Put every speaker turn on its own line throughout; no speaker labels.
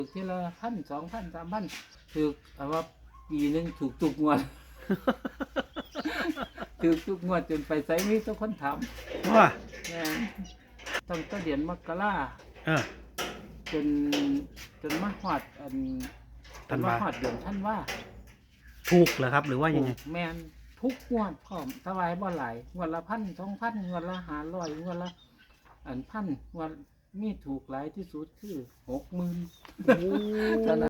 ทีละ1,000 2,000 3,000ถูกเอาว่าปีหนึงถูกทุกงวด ถูกทุกงวดจนไปไสมีแต่คนถาม
ว่า
แม่นตั้งแต่เดือนมกรา
เออ
จนมาฮอดจนมาฮอดเดือนธันวา
ถูกเหรอครับ หรือว่ายังไง
แม่นทุกงวดพร้อมถวายบ่หลายงวดละ1,000 2,000งวดละ500งวดละ1,000งวดมีถูกหลายที่สุดคือ 60,000
โอ้
เท่านั้น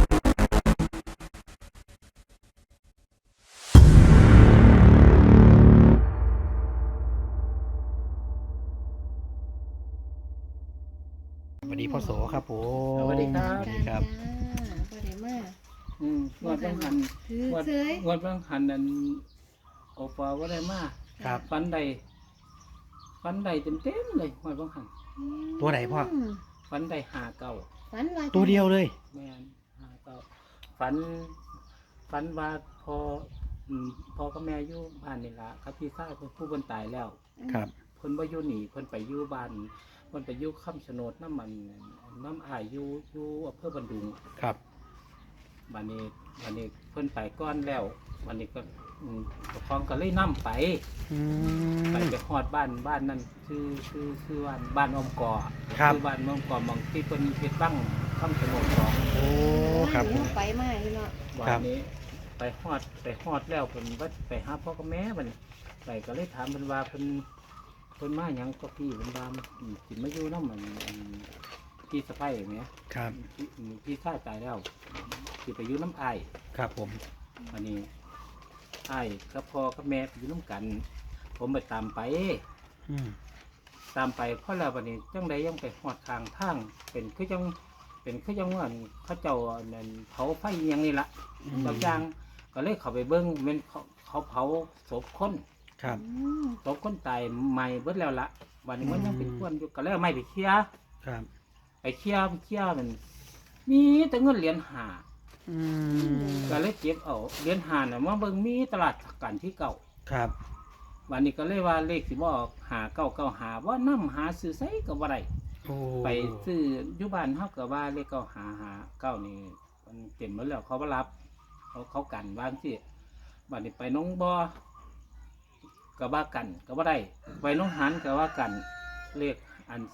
สวัสดีพ่อโสครับผม
สวัสดีครับ
สวัสดีครับ
บ่ได้มา
งวดบางหัน
ถือง
วด
เฉย
งวดบางหันนั่นโอปอว่าได้มา
ครับ
ฟันใดเต็มเลยงวดบางหัน
ตัวไหนพ่อ
ฟันใดหาเก่า
ฝันว่า
ตัวเดียวเลย
แม่นหาเก่าฟันว่าพอกับแม่อยู่บ้านนี่ล่ะครับพี่ชายเพิ่นผู้เพิ่นตายแล้ว
ครับ
เพิ่นบ่อยู่นี่เพิ่นไปอยู่บ้านเพิ่นไปอยู่คำชะโนดน้ำมันน้ำอ้ายอยู่อำเภอบันดุง
ครับ
บัดนี้เพิ่นไปก่อนแล้วบัดนี้ก็ปกครองก็เลยนํไป
อืม
ไปฮอดบ้านนั่นคือบ้านอมกอ
ครับ
บ้านอมกอหมองที่เพิ่นเฮ็ดบั้งคำชะโนดของ
โอ้ครับผม
ไปมาอยู่เนาะ
วันนี้ไปฮอดแล้วเพิ่นว่าไปหาพ่อกับแม่บัดนี้ไปก็เลยถามเพิ่นว่าเพิ่นมาหยังก็พี่เพิ่นว่าสิมาอยู่นำมันพี่สะใภ้แหม
ครับ
พี่ชายตายแล้วสิไปอยู่น้ำอ้าย
ครับผม
อันนี้อ้ายกับพ่อกับแม่ไปอยู่น้ำกัน ผมไปตามไป
อืม
เพราะแล้ววันนี้จังใดยังไปหอดทางทางเป็นคือจังว่าเขาเจ้าอันนั้นเผาไฟอหยังนี่ละบางอย่างก็เลยเข้าไปเบิ้งเม็นเขาเผาศพคน
ครับ
ศพคนตายใหม่เบิดแล้วละวันนี้มันยังเป็นควนอยู่ก็เลยเอาไม้ไปเคลียร์
ครับ
ไปเคลียร์มันมีแต่เงินเหรียญหา
อืม
ก็เลยเก็บเอาเหรียญหาน่ะมาเบิ่งมีตลาดกันที่เก่า
ครับ
วันนี้ก็เลยว่าเลขสิบ่ออกหาเก้าหาว่านํหาซื้อไสก็บ่ได้
โอ้
ไปซื้ออยู่บ้านเฮาก็ว่าเลขเก้านี่มันเต็มหมดแล้วเขาบ่รับเขากันว่าจังซี่บัดนี้ไปหน้องบ่อก็ว่ากันก็บ่ได้ไปหน้องหานก็ว่ากันเลขอัน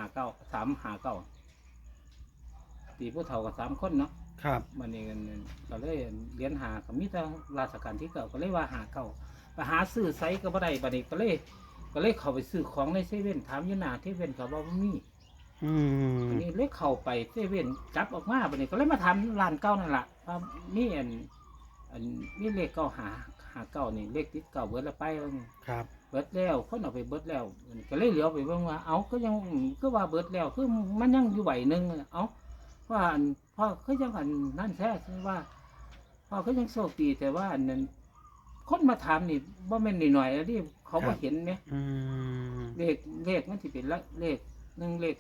359ตีผู้เฒ่าก็3คนเนาะ
ครับ
บัดนี้ก็เลยเรียนหาก็มีแต่ราชการที่เก่าก็เลยว่าหาเก่าไปหาซื้อไสก็บ่ได้บัดนี้ก็เลยเข้าไปซื้อของในเซเว่นถามอยู่หน้าเซเว่นเขาบอกว่ามี
อืม
อันนี้เลยเข้าไปเซเว่นจับออกมาบัดนี้ก็เลยมาถามร้านเก่านั่นล่ะว่ามีอันมีเลขเก่าหาเก่านี่เลขติดเก่าเบิดแล้วไปว่า
ครับ
เบิดแล้วคนเอาไปเบิดแล้วก็เลยเหลียวไปเบิ่งว่าเอ้าก็ยังคือว่าเบิดแล้วคือมันยังอยู่ใบหนึงเอ้าว่าอันพ่อคือยังอันนั่นแท้ว่าพ่อคือยังโชคดีแต่ว่าอันนั้นคนมาถามนี่บ่แม่นหน่อยๆแล้วที่เขาบ่เห็นไหม
อืม
เลขมันสิเป็นเลข1เลข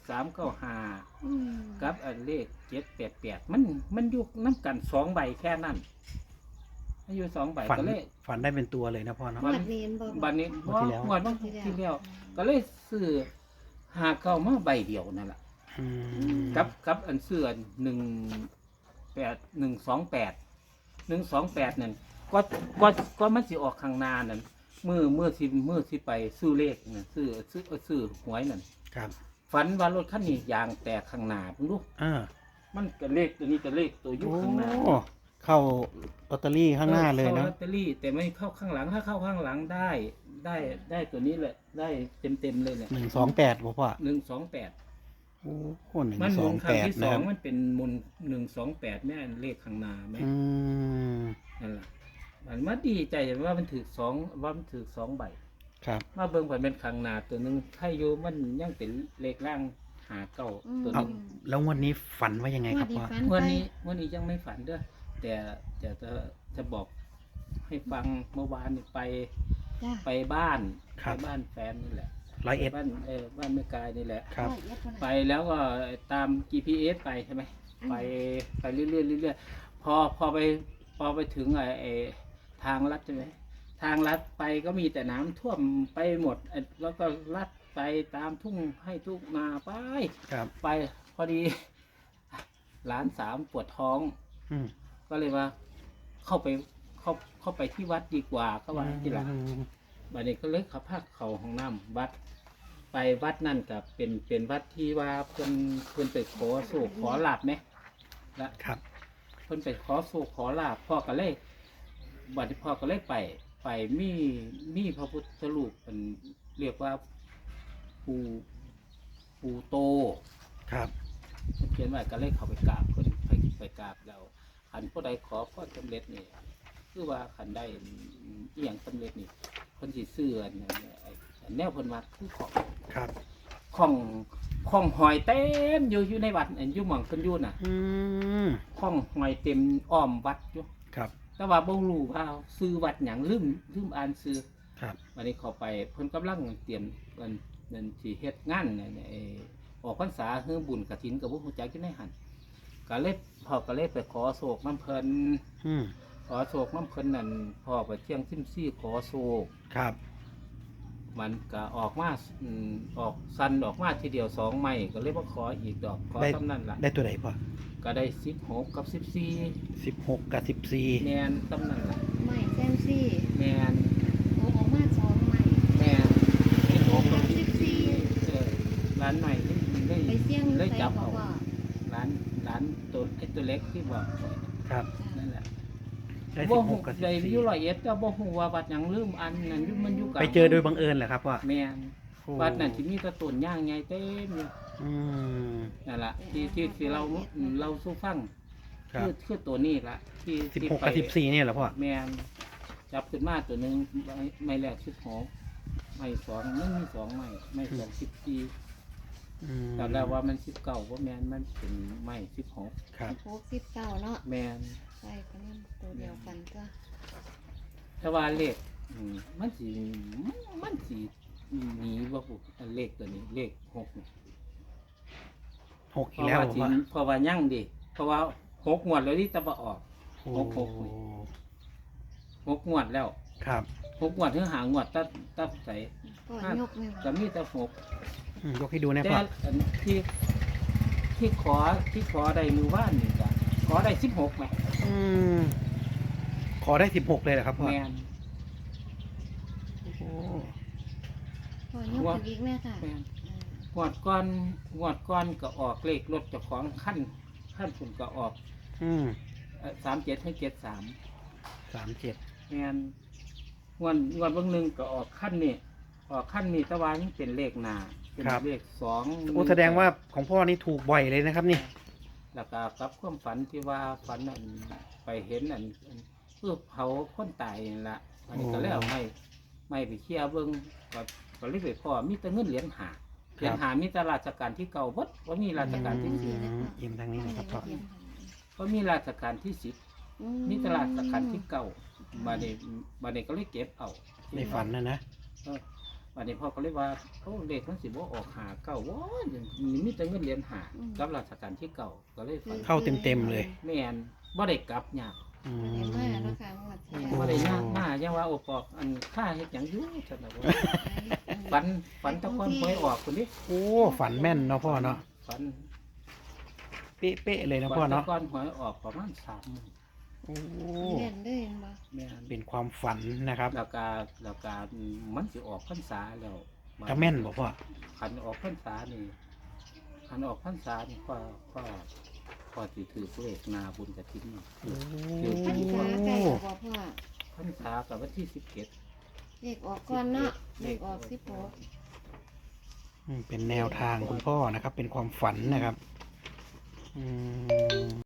395กับอันเลข788มันอยู่นำกัน2ใบแค่นั้นมันอยู่2ใบ
ฝัน
ก็เลย
ฝันได้เป็นตัวเลยนะพ่อเนาะ
วัดเรียนบ่
บัดนี้
งวดที่แล้ว
งวดบางที่แล้วก็เลยซื้อหาเก้ามาใบเดียวนั่นแหละ
อืม
กับอันเสื้อ128นั่นก็มันสิออกข้างหน้านั่นมือสิไปซื้อเลขนั่นซื้อหวยนั่น
ครับ
ฝันว่ารถคันนี้ยางแตกข้างหน้าเพิ่นดู มันก็เลขตัวนี้ก็เลขตัวอยู่
โอ้
ข้างหน้า
เข้าลอตเตอรี่ข้างหน้าเลย
ข้
เนาะ
ลอตเตอรี่แต่ไม่เข้าข้างหลังถ้าเข้าข้างหลังได้ตัวนี้แหละได้เต็มเลยเนี่ย
128พ่อ
128
โอ้โห
มันหมุนครั้งที่
128
ส
นะ
อ
ค
ง
รับ
มันเป็นหมุน128แม่นเลขข้างหน้าแม่
อืม
นั่นแหละมันมาดีใจว่ามันถือสองใบ
ครับ
มาเบิ่งผ่านเป็นข้างหน้าตัวหนึงถ้าอยู่มันยังเป็นเลขล่างหาเก้าตัวห
เอา
นึง
แล้วงวันนี้ฝันว่ายังไงครับพ่อ
วันนี้ยังไม่ฝันเด้อแต่จะบอกให้ฟังเมื่อวานนี่ไปบ้าน
ครับ
ไปบ้านแฟนนี่แหละ
101
บ้านบ้านแม่กายนี่แหละ
ครับ
ไปแล้วก็ตาม GPS ไปใช่ไหมไปเรื่อยๆเรื่อยๆพอไปถึงไอ้ทางลัดใช่ไหมทางลัดไปก็มีแต่น้ำท่วมไปหมดแล้วก็ลัดไปตามทุ่งให้ทุ่งนาไป
ครับ
ไปพอดีหลานสามปวดท้อง
อืม
ก็เลยว่าเข้าไปที่วัดดีกว่าก็ว่าที่หลัง บัดนี้ก็เลยขับพาเขาห้องน้ำวัด ไปวัดนั่นกับเป็นวัดที่ว่าเพิ่นไปขอโศกขอลาบไหมละ
ครับ
เพิ่นไปขอโศกขอลาบพ่อก็เลยบัดนี้พ่อก็เลยไปมีพระพุทธรูปเป็นเรียกว่าปูโต
ครับ
เพิ่นเขียนไว้ก็เลยเข้าไปกราบเพิ่นไปกราบแล้วคันผู้ใดขอพรสำเร็จนี่คือว่าคันได้อีหยังสำเร็จนี่เพิ่นสิซื้ออันนั้นแนวเพิ่นว่าคือของ
ครับ
ของหอยเต็มอยู่ในวัดอันอยู่หม่องเพิ่นอยู่น่ะ
อืม
ของหอยเต็มอ้อมวัดอยู่
ครับ
แต่ว่าบ่รู้ว่าซื้อวัดหยังลืมอ่านซื้อ
ครับ
วันนี้เข้าไปเพิ่นกำลังเตรียมเงินสิเฮ็ดงานเนี่ยออกพรรษาเฮือบุญกฐินก็บ่ฮู้จักอยู่ในหั่นก็เลยพ่อก็เลยไปขอโศกน้ำเพิ่น
อืม
ขอโศกน้ำเพิ่นนั่นพ่อไปเที่ยงซิมซี่ขอโศก
ครับ
มันก็ออกมาออกสันออกมาทีเดียว2ไม้ก็เลยบ่ขออีกดอกขอเท่านั้นล่ะ
ได้ตัวไหนพ่อ
ก็ได้16กับ14
16 กับ 14
แม่นเท่านั้นล่ะ
ไม่แซมซี่
แม่น
โอ้ออกมา2ใหม่
แม่น16กับ
14
เออร้านใหม่ได้
ไปเสี่ยง
ได้
ใส่
จับ
บ่
เอา
พ่อ
ร้านตัวไอ้ตัวเล็กที่บอกไว้
ครับ
นั่นแหละ
ได้
บ่ฮู้
16 กับ
ได้อยู่
14
ร้อยเอ็ดแต่บ่ฮู้ว่าวัดหยังลืมอันนั้นอยู่มันอยู่กลาง
ไปเจอโดยบังเอิญเหรอครับพ่อ
แม่น
โอ้
วัดนั้นสิมีแตะต้นย่างใหญ่เต็มอยู่
อืม
นั่นล่ะที่เราสู้ฟัง
ครับ
คือตัวนี้ล่ะที่
16 กับ 14เนี่ยเหรอพ่อ
แม่นจับขึ้นมาตัวหนึงไม่แรก16ไม่2มันมี2ไม่2 14
อืม
แต่แล้วว่ามัน19บ่แม่นมันเป็นไม่16
ครับ
69เนาะ
แม่น
ใส่กันนั่นตัวเดียวกันก็
แต่ว่าเลขมันสิหนีว่าปุ๊เลขตัวนี้เลข6นี่
6 อีกแล้วเหรอพ่อ
เพราะว่ายั่งดิเพราะว่า6งวดแล้วที่ตะบะออก
โอ้
6งวดแล้ว
ครับ
6งวดถึงหางวดตับใส่
ก็ยกเลย
ก็มีแต่
อืมยกให้ดู
6
นะ
แต่
พ่อ
อันที่ขอได้มือว่านนี่ก็ขอได้16แหม
อืมขอได้ 16 เลยเหรอครับพ่อ
แม่น
โอ้โห
ก็ยกอีกแม่ค่ะ
แม่นงวดก่อนก็ออกเลขรถเจ้าของขั้นฝุ่นก็ออก
อืม
37ให้73
37
แม่นงวดเบางหนึงก็ออกขั้นนี่แต่ว่ายังเป็นเลขหน้าเป็นเลข2
โอ้แสดงว่าของพ่อนี่ถูกบ่อยเลยนะครับนี่
แล้วก็กับความฝันที่ว่าฝันอันไปเห็นอันเพื่อเผาคนตายนั่นละอันนี้ก็แล้วไม่ไปเคลียร์เบิ่งก็เลยไปพ่อมีแต่เงินเหรียญหามีแต่ราชการที่เก่าบดว่ามีราชการที่สิบ
ยิ้มทางนี้นะครับพ่อ
ว่ามีราชการที่10มีแต่ราชการที่เก่าบัดนี้ก็เลยเก็บเอา
ในฝันนะ
บัดนี้พ่อก็เลยว่าโอ้เลขมันสิบ่ออกหาเก่าว้ามีแต่เงินเหรียญหากับราชการที่เก่าก็เลยฝัน
เข้าเต็มๆเลย
แม่นบ่ได้กลับยาก
อื
ได้
ม
มาแล้วค่ะงวดที่
โอ้
บ่ได้ยากมายังว่าโอปอกอันค่าเฮ็ดหยังอยู่ซั่นน่ะว่าฝันตะกอนหวยออกคนนี้
โอ้ฝันแม่นเนาะพ่อเนาะ
ฝัน
เป๊ะๆเลยนะพ่อ
ตะ
เนาะ
กอนหวยออกประมาณ3มื้อ
โอ้
เล่นด้วยบ่
แม่น
เป็นความฝันนะครับ
แล้วก็มันสิออกพรรษาแล้ว
จะแม่นบ่พ่อ
คันออกพรรษานี่ก็สิถือเลขนาบุญกฐินเนาะ
โอ้
พรรษาใกล้แล้วบ่พ่อ
พรรษากับวันที่17
เลขออกก่อนเนาะเลขออก16
เป็นแนวทางคุณพ่อนะครับ เป็นความฝันนะครับ อืม